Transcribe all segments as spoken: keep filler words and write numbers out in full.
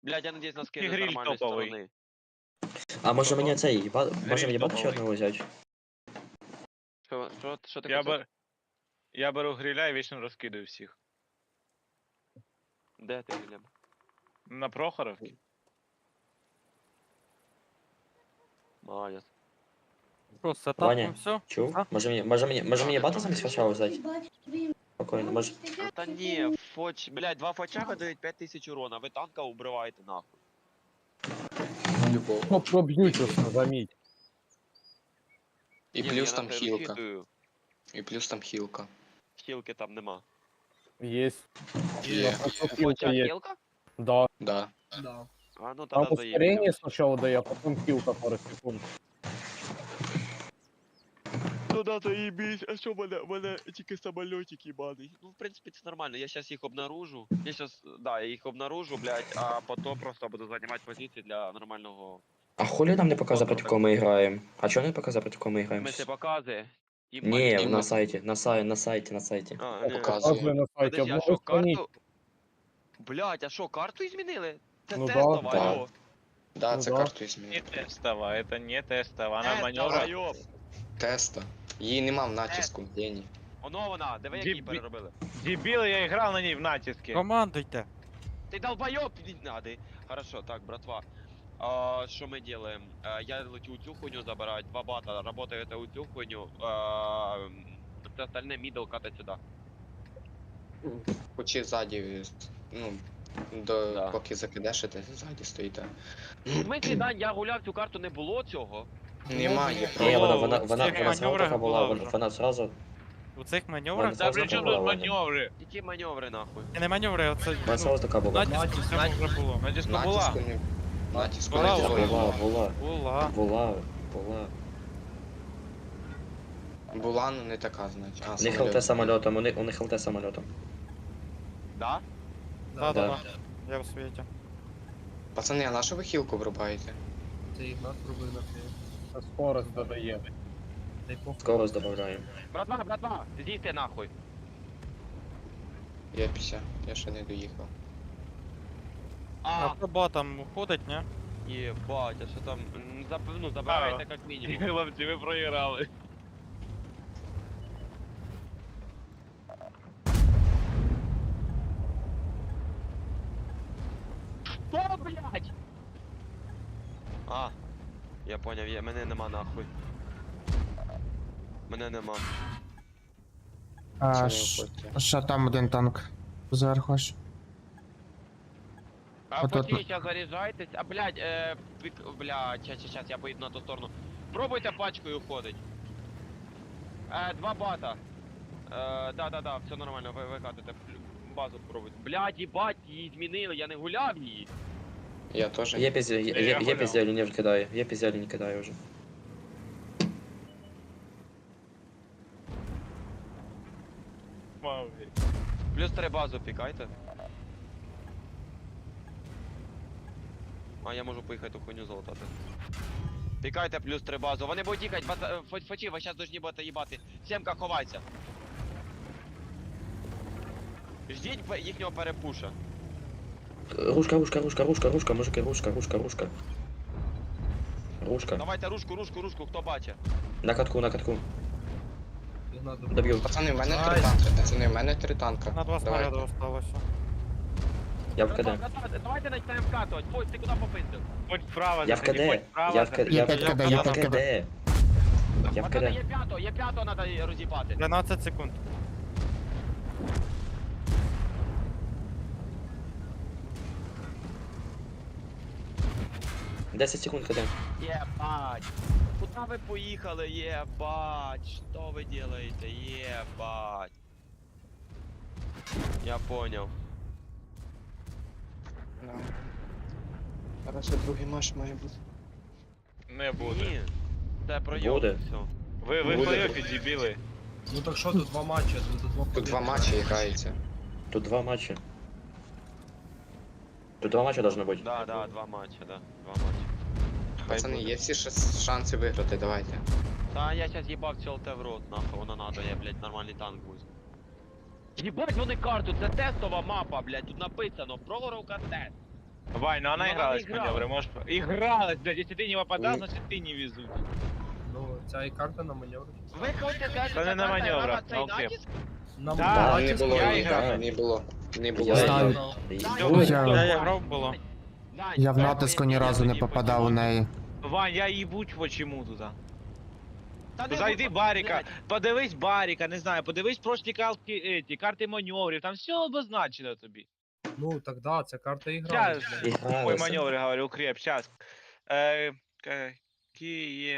Блядь, я надеюсь, нас кинуть с Гриль нормальной топовый. стороны. А може Ого. мені цей, ба- може Гриль мені бати ще топовий. одного взяти? Что, что, что ты Я, хотел? бер... я беру гриля і вічно розкидаю всіх. Да, ты, Глеб. На Прохоровці. Молодец. Що, з Ваня. сетапом все? Чув? А? Може мені, може мені, може мені бати замість фача взяти? Спокійно, може. Да не, фоч, блядь, два фочаха дают пять тысяч урона, вы танка убиваете нахуй. Любов. Ну, проб'ють усе, заміть. І Не, плюс я там нахуй хілка. розхитую. І плюс там хілка. Хілки там нема. Єсть. Є. Фоча Фоча є. хілка? Да. Да. А ну Там тогда заебись. ускорение сначала дає, а потім хілка пару секунд. Ну да, заебись, а що мене, мене тільки самолетик ебаний. Ну, в принципі, це нормально, я сейчас їх обнаружу. Я сейчас, да, я їх обнаружу, блядь, а потом просто буду займати позиції для нормального... А хулі нам не показує, проти кого ми граємо? А чого не показує, проти кого ми В граємо? смысле, показує? І Ні, мать- на сайті, на сайті, на сайті, на сайті. А, ні. Показує. Показує на сайті, Подожди, а обновив що, страницю. карту? Блядь, а що, карту змінили? Це Ну да, тестова, да. алло. Да, Ну це да. карту Не змінили. тестова, это не тестова. Вона Тестова, маневра. йоп. Теста. Її нема в натиску, геній. Оно вона, диви, як її Дібі- переробили. Дебіл, я грав на ній в натискі. Командуйте. Ты долбоёб, не надо. Хорошо, так, братва. А, что мы делаем? А, я лечу цю хуйню забирать, два бата работает у цю хуйню. А, все остальное мидл катать сюда. Хочі ззаді, ну, до, Да. поки закидешите, ззаді стоїте. В смысле, Дань, я гуляв цю карту, не було цього. Немає Ні, вона, про... вона, вона, Всіх вона зразу маневрах така була, була вона, вже. вона зразу... У цих Вона маневрах, зразу Та при така чому була, тут Ваня. маневри? Які маневри нахуй? не маневри, оце Вона ну, зразу така була. натиск у цьому вже було. Натиску була. Натиску не... Натиску Була, не була. було. Була, була, Була. була, була. Була, ну не така, значить. А, У них самоліт. ЛТ самольотом, у них, у них ЛТ самольотом. Да? Да, да, Да. да. Я в світі. Пацани, а на що ви хілку врубаєте? Це Ігнат робив на фі. Це скорость додає. Дай похуй. Скорость додаємо. Братва, братва, з'їсти нахуй. Я п'ятдесят, я ще не доїхав. А А, хто ботом уходить, ні? єбать, а що там? М, заб- Ну, забирайте як мінімум. Хлопці, ви проіграли. Що, блядь? А, я поняв, я, мене нема нахуй. Мене нема. Це А, не ш- виходьте. що там один танк? Зверху аж. А От поки от- сейчас заряджайтесь, а блядь, е, пик, блядь, щас, щас, щас, я поїду на ту сторону. Пробуйте пачкою ходить. Е, два бата. Е, да, да, да, все нормально, ви, ви катите. Базу пробуйте. Блядь, їбать, її змінили, я не гуляв її. Я теж. Є пізде, є, Я є, є гуляв. пізде, не кидаю, є пізде, не кидаю вже. Маві. Плюс три базу пікайте. А, я можу поїхати ту хуйню залутати. Пікайте плюс три базу. Вони будуть їхати, бата- е, фо- фочі, ви зараз должні будете їбати. Сімка, ховайся. Ждіть пе- їхнього перепуша. Рушка, рушка, рушка, рушка, рушка, мужики, рушка, рушка, рушка. Рушка. Давайте рушку, рушку, рушку, хто бачить. На катку, на катку. Ігнат робив. Доб'ю. Пацани, в мене три Ай. танка, пацани, в мене три танка. На два Давайте. снаряди осталося. Я в Братва, КД. братва, Давайте почнемо вкатувати. Фось, ти куди попиздив? Будь вправо, Я в заходи, КД. будь вправо, Я в КД. заходи. Я в Я в КД, я в КД. Я в Пацани, КД. є п'ятого, є п'ятого треба роз'їбати. дванадцять секунд. десять секунд КД. Єбать. Куда ви поїхали, єбать? Що ви делаете, єбать? Я понял. Да. Зараз другий матч має бути. Не буде. Ні. Це пройом, Буде. все. Ви, ви в Буде. плей-оффі, дебіли. Ну так що, тут два матчі, тут два Тут два матчі граються. Тут два матча. Тут два матча должно быть. Да, да, два матча, да. Два матча. Пацани, є всі шанс- шанси виграти, давайте. Та я сейчас їбав цю ЛТ в рот, нахуй, воно надо, я, блядь, нормальний танк буду. Їбать вони карту, це тестова мапа, блядь, тут написано, Прогоровка тест. Вань, ну она Ну, она игралась, играла. маневры, можешь... Игралась, блядь, если ты не попадал, Ні. значит ты не везут. Ну, ця і карта на маневр. Ви хочете сказати, Та що не на ця карта маневрах, грала цей на окреп. натиск? На Да, Да, маневр. не було, я ні, іграв. да, не було. Не було. Я Знаю. грав. Ой, Я- Я грав було. Дань, Я в давай натиску ні поясни, разу не тоді попадав у почему. неї. Вань, я їбуть почему туда. Та не Зайди будь- Баріка, блядь, подивись Баріка, не знаю, подивись прошлі картки, еті, карти маневрів, там все обозначено тобі. Ну, так да, ця карта і грала. Щас. блядь. Ой, Ігралося. маневры, говорю, укреп, сейчас. Э, какие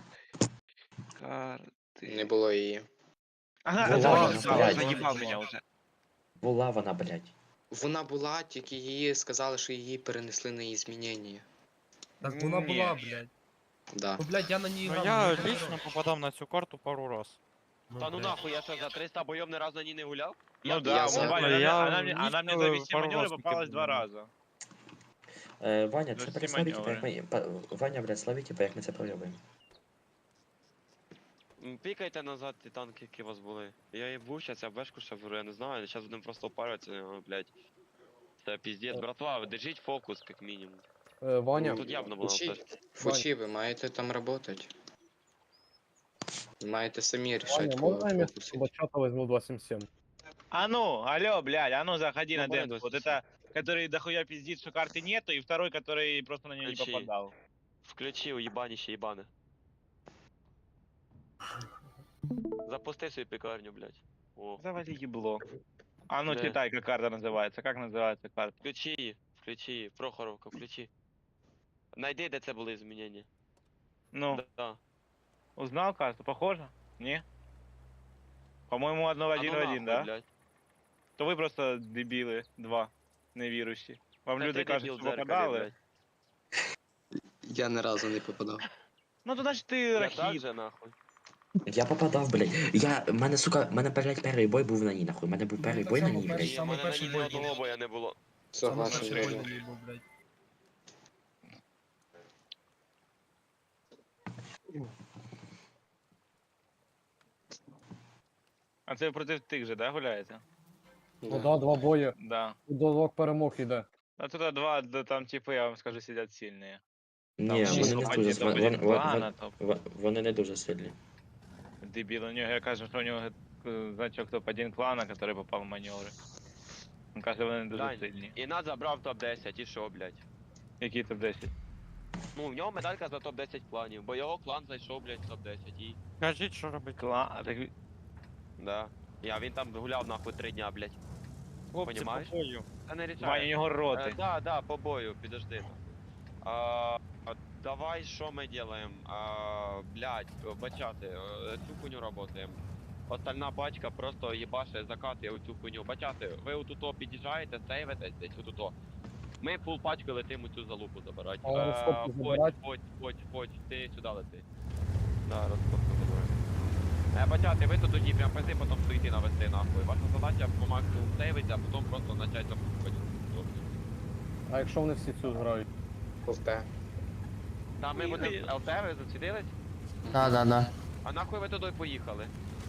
карты? Не було її. Ага, Ну это ладно, заебал, блядь. заебал меня уже. Була вона, блядь. Вона була, тільки її сказали, що її перенесли на її змінення. Так вона Ні. була, блядь. Да. Ну, блядь, я на ній Ну грав. я мені лично грав. попадав на цю карту пару раз. Ну, Та ну блядь. нахуй, я що за триста бойов ні разу на ній не гуляв? Ну Я- да, я ну, за- Ваня, она, Я она мне, она мне за лично вести пару маневры раз попалась таки два був. раза. Е, Ваня, Ну, це всі переславіть, як маневри. ми... па- Ваня, блядь, славіть, типа, як ми це проявимо. М, Пікайте назад ті танки, які у вас були. Я їбу, щас я бешку ще беру, я не знаю, зараз будемо просто опарюватися, о, блядь. Це піздець, братва, держіть фокус, як мінімум. Е, Ваня, Тут явно було Фучі, все. Фучі, ви маєте там працювати. Маєте самі рішати, Ваня, кого можна я вместо фокусити. бачата возьму два сім сім? А ну, алло, блядь, а ну заходи Ну, на Ваня, демку. Вот двадцать это, который дохуя пиздит, что карты нету, и второй, который просто на нее не Ключи. попадал. Включи уїбаніще їбане. Запусти свою пекарню, блядь. О, Завали ебло. А ну Да. читай, как карта называется. Как называется карта? включи її, включи її, Прохоровка, включи. Найди, де це були змінення. Ну, Да, да. узнал карту? Похоже? Не? По-моему, одно в А ну один в один, нахуй, да? блядь. То вы просто дебилы, два, невіруючі. Вам Та люди ти кажуть, дебіл що в дзеркалі, попадали. блядь. Я ні разу не попадав. Ну то значить ти Я так рахіт. же, нахуй. Я попадав, блядь. Я, мене, сука, мене, блядь, перший бой був на ній, нахуй. Мене був перший так бой на само ній, перший. блядь. Ні, в мене на перший ній бой ні одного був. боя не було. Саме Согласен, перший Григорій. бой не був, блядь. А це проти тих же, да, гуляєте? Ну да, два бої. Да. Дозок перемог іде. А тут два, да, там типи, я вам скажу, сидять сильні. Ні, Там вони шість не топ дуже, один, вон- топ вон- один вон- клана, топ. вон- вони не дуже сильні. Дебіл, у нього, я кажу, що у нього е, значок топ один клана, який попав в маневри. Він каже, вони дуже Дань, сильні. І нас забрав топ десять, і що, блядь? Які топ десять? Ну, в нього медалька за топ десять кланів, бо його клан зайшов, блядь, в топ десять і... Кажіть, що робити. Клан, так... Да. Я, він там гуляв нахуй три дня, блядь. Хлопці, Понімаєш? по бою. Та не Ваня, у рішає. нього Е, роти. да, да, по бою, підожди. А, а, давай, що ми делаем? А, блядь, бачати, е, цю хуйню работаем. Остальна пачка просто їбаше закати оцю хуйню. Бачати, ви отуто під'їжджаєте, сейвитесь десь отуто. Ми фул пачки летимо цю залупу забирати. А розкопки Подь, забирать? подь, подь, подь, ти сюди лети. Да, розкопку забирай. Е, бачати, ви тут тоді прям пизи, потім стоїти навести нахуй. Ваша задача по максимуму сейвити, а потім просто почати запускати. А якщо вони всі цю грають? Повте. Та ми будемо ЛТ, ви зацідились? Да, да, да. А нахуй ви туди поїхали?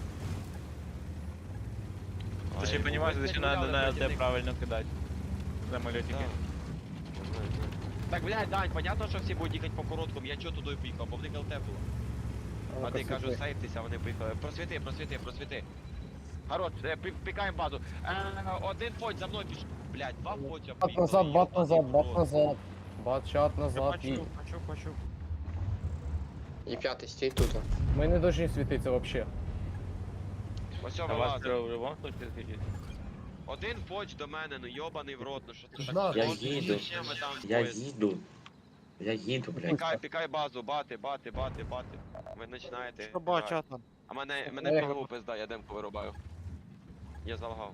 Ти ще розумієш, ви що не треба гуляли на проти ЛТ них. правильно кидати. Самолетики. Да. Так, блядь, Дань, понятно, що всі будуть їхати по короткому, я чого туди поїхав, бо в них ЛТ було. А Ну-ка, ти кажу, світи. сейфтеся, вони поїхали. Просвіти, просвіти, просвіти. Хорош, е, пі- пікаємо базу. Е, один фоть за мною піш... Блядь, два фотя Бат назад, бат назад, бат назад. Бат чат назад. І... Почув, почув, почув. І п'ятий стій тут. Ми не повинні світитися взагалі. Ось А все у вас вилазить. в любом случае скільки? Один фоч до мене, ну йобаний в рот, ну що це Да, так? Я сложно, їду. зачем ви там Я стоїте? їду. Я їду, блядь. Пікай, пікай базу, бати, бати, бати, бати. Ви починаєте. Що грати. бачата? А мене, мене Е. голову пизда, я демку вирубаю. Я залгав.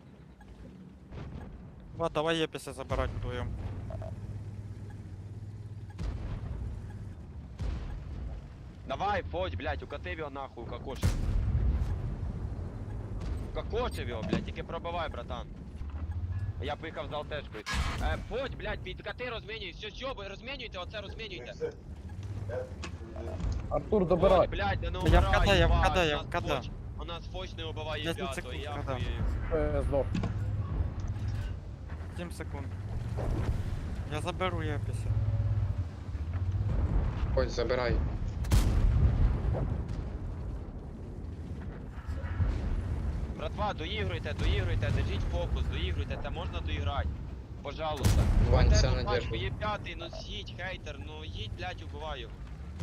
Ба, давай єпіся забирати вдвоєм. Давай, фоть, блядь, укатив його нахуй, укакошив. Укакошив його, блядь, тільки пробивай, братан. Я поїхав за алтешкою. Е, фоть, блядь, підкати розмінюй, все, все, ви розмінюйте, оце розмінюйте. Артур, Фоть, добирай. блядь, да не Я в умирай, КД, я в їбать, КД, я у в нас КД. фоч- У нас фоч не убиває десять п'ято, секунд я КД. хуєю. Е, Здох. сім секунд. Я заберу Єпіся. Ось, забирай. Братва, доігруйте, доігруйте, держіть фокус, доігруйте, це можна доіграти. Пожалуйста. Вань, все Тебе надіжда. пачку, є п'ятий, ну їдь, хейтер, ну їдь, блядь, убивай його.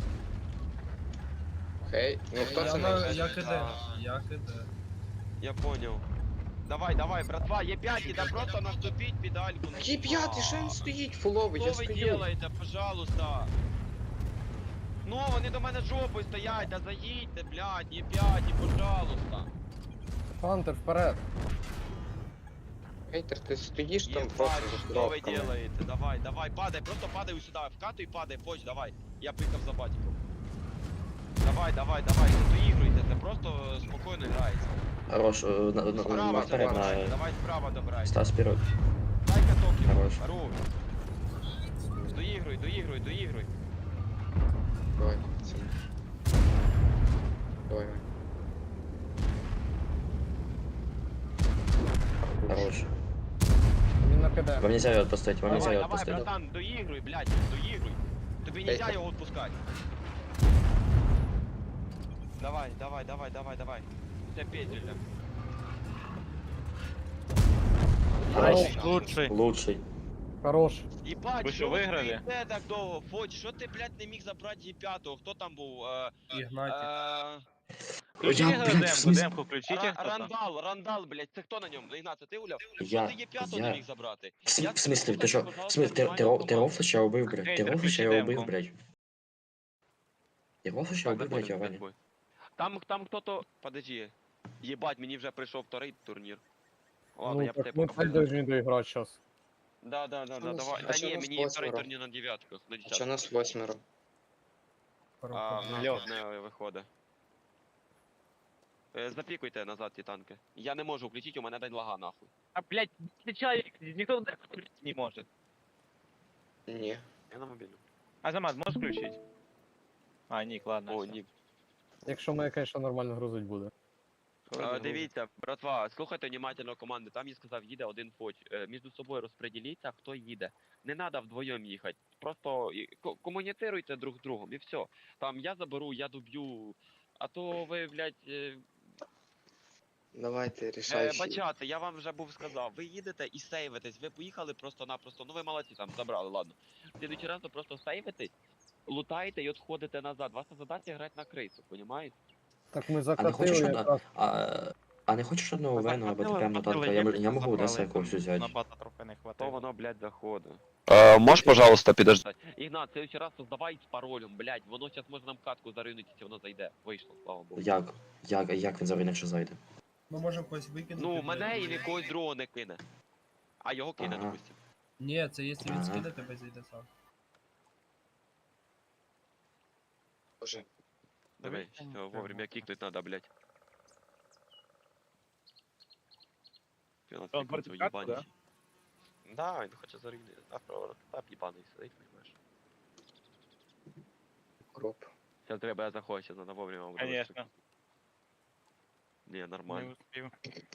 Хей, ну хто Я, це на, не я киде, А. я киде. Я понял. Давай, давай, братва, є п'ятий, да просто наступіть педальку. ну, Який п'ятий, що він стоїть? Фуловий, Що я ви стою. делаєте, пожалуйста? Ну, вони до мене жопою стоять, да заїдьте, блядь, є п'яті, пожалуйста. Хантер, вперед. Хейтер, ти стоїш там Єбать, просто за що ви коробками. делаете? Давай, давай, падай, просто падай сюди, вкатуй, падай, поч, давай. Я приїхав за батьком. Давай, давай, давай, не доігруйте, це просто спокійно грається. Хорош, е, на, на, на, Справа наперед, добирай, на... давай справа добирай. Стас вперед. Дай каток Хорош. йому, хорош. Доігруй, доігруй, доігруй. Давай, це. Давай, Вань. Хорош. Він на КД. Вам нельзя его отпустить, вам нельзя Давай, его давай, отпустить. братан, доігруй, блядь, доігруй. Тобі нельзя його відпускати. Давай, давай, давай, давай, давай. Це петля. Хорош. Лучший. Лучший. Хорош. Єбать, Ви що, що ви виграли? стоїте так довго? Фоч, що ти, блядь, не міг забрати її п'ятого? Хто там був? Е, Ігнатік. е, Включіть Я, його блядь, в демку, смысле? демку включіть, Ра- хто там. Рандал, Рандал, блядь, це хто на ньому? Ігнат, це ти уляв? Я, Ти її п'ятого не я... міг забрати. В см- Я в смысле, тебе ты что? попросив, В смысле, ты, пожалуйста, ты, нормальну ты Рофлича убив, блядь? Ты Хейтер, Рофлича включи убив, демку. блядь? Ты Рофлича Так, убив, блядь, заходимо, Ваня? заходимо. Там, там хто-то, подожди. Єбать, мені вже прийшов вторий турнір. Ладно, Ну, я б так тебе ми поки... так должны доиграть сейчас. Да, да, да, А да, нас- давай. а Да що ні, нас мені вторий восьмеро? турнір на дев'ятках, на А що десятках. нас восьмеро? А, в нас Льох. одне виходить. Е, Запікуйте назад ті танки. Я не можу включити, у мене день лага нахуй. А, блядь, включай, ніхто не може. Ні. Я на мобільну. Азамат, можеш включити? А, Нік, ладно. О, все. ні. Якщо мене, конечно, нормально грузить буде. Е, Дивіться, братва, слухайте внимательно команди. Там я сказав, їде один фоч. Е, Між собою розподіліться, хто їде. Не треба вдвоєм їхати. Просто і- ко- комунікуйте друг з другом і все. Там я заберу, я доб'ю. А то ви, блядь, е, Давайте, Е, рішай. бачати, я вам вже був сказав, ви їдете і сейвитесь, ви поїхали просто-напросто, ну ви молодці там забрали, ладно. В следующий раз ви просто сейвитесь, лутаєте і відходите назад. Ваша задача грати на крису, понімаєте? Так ми А не закатили хочеш одна... якраз. А, а не хочеш одного вену або ТП на танка? Я, м- я можу у Деса якогось На взяти. бата трохи не То хватило. воно, блядь, заходить. Э, можешь, пожалуйста, подождать? Ігнат, в следующий раз создавай з паролем, блядь, воно зараз може нам катку заринути, якщо воно зайде. Вийшло, слава Богу. Як? Як, як він завинив, що зайде? Ми можемо когось викинути. Ну, блядь. мене і когось другого не кине. А його кине, Ага. допустим. Ні, це якщо він Ага. скине, тебе зайде сам. Боже. Давай, Дивись, всё, вовремя кикнуть надо, блядь. Фінал Он кикнуть, фортифікатку, уїбаний. Да, він хоче зарігнути. А про тап їбаний сидить, понимаєш. Кроп. Сейчас треба я захочу, сейчас надо вовремя ударить. Конечно. Не, Не нормально. успів.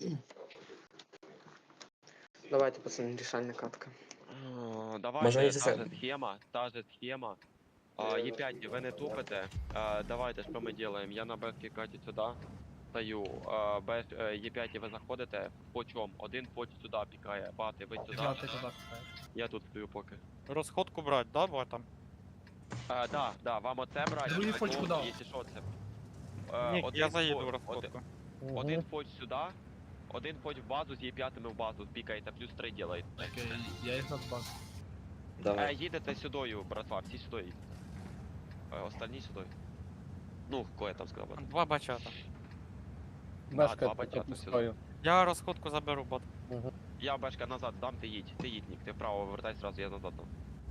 Давайте, пацани, рішальна катка. О, Може, Давайте, якщо та це- же схема, та же схема. А, Е п'ять, ви не тупите. А, Давайте, що ми делаем? Я на бешки каті сюди стою. А, Беш, е п'ять ви заходите по чому? Один поч сюди пікає, бати, ви сюди. Да, ти туди пихаєш. Я тут стою поки. Розходку брать, да, ботам? А, да, да, вам оце брати. Другий а поч то, куди? Якщо що це. Е, Ні, один я заїду по- в один- розходку. Один поч сюди, один поч в базу, з є п'ятими в базу, пікаєте, плюс три делаєте. Окей, я їх надбав. Е, Давай. їдете сюдою, братва, всі сюди їдете. Е, остальні сюди. Ну, кое там сказав. брат. Два бачата. Бешка два я бачата пропускаю. Я розходку заберу, бот. Я бешка назад дам, ти їдь, ти їдь, Нік, ти вправо вертай сразу, я назад дам.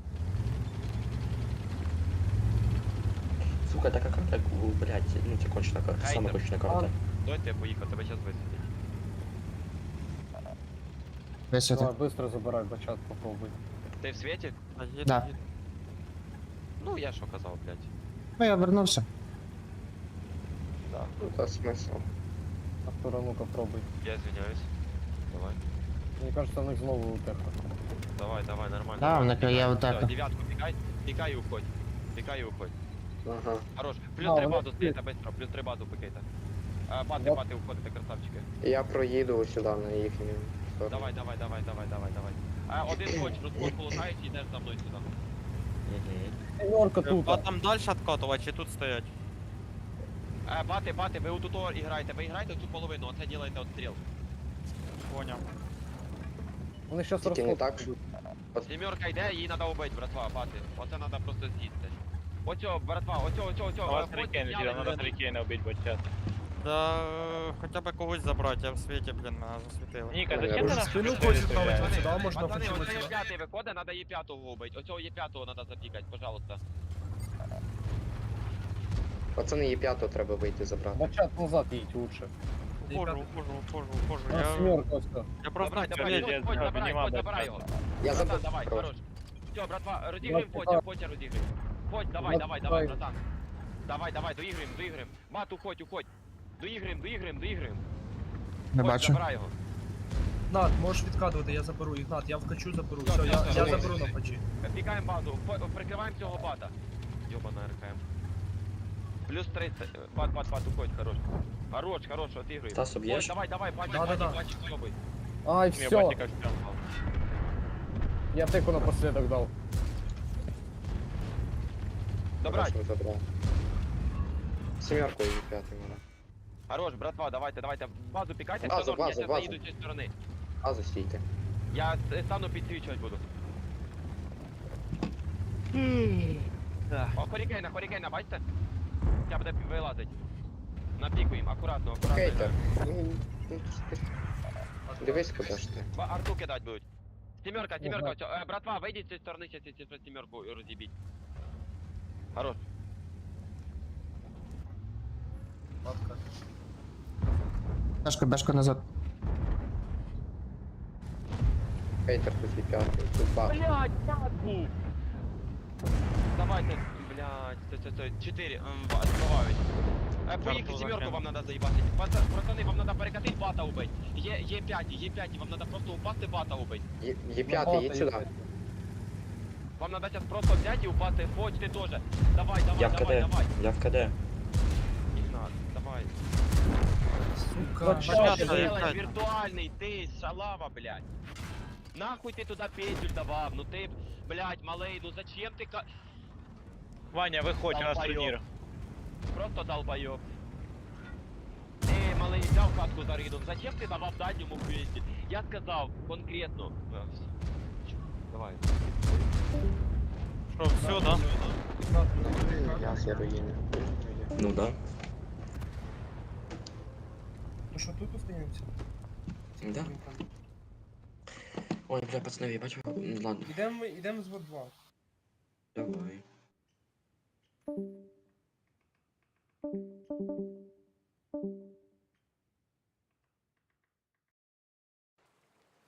Сука, така карта, у, блядь, ну це кончена карта, сама Хейтер. кончена карта. Дай ти поїхав, тебе зараз висвітить. Висвіти. Давай, быстро забирай, бачат, попробуй. Ти в світі? А їду, Да. їду. Ну, я що казав, блядь. Ну, я вернувся. Да, Ну, та смисл. Артура, ну-ка, пробуй. я извиняюсь. Давай. Мені кажется, в них знову утеха. Давай, давай, нормально. Да, нормально, вона клює пікай. в тебе. Всё, дев'ятку пікай, пікай і уходь. Пікай і уходь. Ага. Хорош. Плюс Да, три вона базу стоїте, быстро, плюс три базу пикайте. Е, Бати, Да. бати, уходите, красавчики. Я проїду сюди на їхню сторону. Давай, давай, давай, давай, давай, давай. Е, Один хоч, розходку лутаєш і йдеш за мною сюди. Сімерка тут. А там далі откатувати чи тут стоять? Е, Бати, бати, ви отут о- іграєте, ви іграєте цю половину, оце ділаєте отстріл. Поняв. Вони щас Тільки не розходку так. йдуть. Сімерка йде, її треба убити, братва, бати. Оце треба просто з'їсти. Оцьо, братва, оцьо, оцьо, оцьо. У вас е, три ходь, кейна, зняли надо людину. три кейна убить бочат. Да е, хоча б когось забрати, я в світі, блін, мене засвітили. Ніка, Я зачем ти вже нас спину спину хочеш стріляєш? ставити? Сюди можна Пацани, почему оце є сюди? п'ятий виходить, треба є п'ятого убити. Оцього є п'ятого треба запікати, пожалуйста. Пацани, є п'ятого треба вийти забрати. Бачат назад їдь лучше. Ухожу, ухожу, ухожу, ухожу. А, Я, сімерка ось тут. я просто Давай, давай, Ні, ходь, я ходь, знаю, забирай, піднімав ходь, без забирай часу. його. Я Братан, забув. давай, Хорош. хорош. Все, братва, розіграємо Я потя, питаю. потя розіграємо. Ходь, давай, Я давай, давай, питаю. братан. Давай, давай, доіграємо, доіграємо. Бат, уходь, уходь. Доіграємо, доіграємо, доіграємо. Не Ходь, бачу. забирай його. Ігнат, можеш відкатувати, я заберу. Ігнат, я вкачу, заберу. Все, Все, все, я, все, я давай. заберу на пачі. Пікаємо базу, по- прикриваємо цього бата. Йобана РКМ. Плюс тридцять. Бат, бат, бат, уходь, хорош. Хорош, хорош, отігруй. Стас, Ходь, об'єш? давай, давай, бачик, Да-да-да. бачик, бачик, йобай. Ай, Мне все. батика в спину пал. Я тику напоследок дав. Добрать. Хорошо, забрав. Сімерку і п'ятий мене. Хорош, братва, давайте, давайте. Базу пікайте, Базу, все норм, я базу, зараз базу. заїду з цієї сторони. Базу стійте. Я с- стану підсвічувати буду. О, хорікейна, хорікейна, бачите? Я буде вилазить. Напікуємо, акуратно, акуратно. Хейтер. Ну, ну, ти- Дивись, куди ж ти. Ба- Арту кидать будуть. Сімерка, сімерка, Ага. оцю. Е, братва, вийдіть з цієї сторони, зараз я цю сімерку роз'їбіть. Хорош. Матка. Бешка, бешка назад. Хейтер тут і п'ятий. Тут баг. Блядь, так був! Давайте, блядь, це, це, це, чотири, ем, ба- збивають. Е, поїхали, Карту сімерку закинув. вам надо заїбати. Пацан, пацани, вам надо перекатити бата убить. Є, є п'яті, є п'яті, вам надо просто упасти бата убить. Є є п'ятий, їдь сюди. Вам надо зараз просто взяти і упасти, Фодь, ти теж. Давай, давай, Я в давай, КД. давай. Я в КД. Ігнат, давай. Сука. Бачат, Что Понятно, ты да, делаешь, понятно. виртуальный, ты, шалава, блядь. Нахуй ты туда петель давал, ну ты, блядь, малый, ну зачем ты ка... Ваня, виходь, у нас Долбоёб. турнір. Просто долбоёб. Эй, малый, взял катку за ридом, зачем ты давал дальнему петель? Я сказал конкретно. А, всё. Давай. Що, все, да? Ігнат, ну, Я з руїни. Ну да. Ну що, тут остаємося? Да. Ой, бля, пацани, я бачу. М, Ладно, Ідемо, ідемо з два. давай.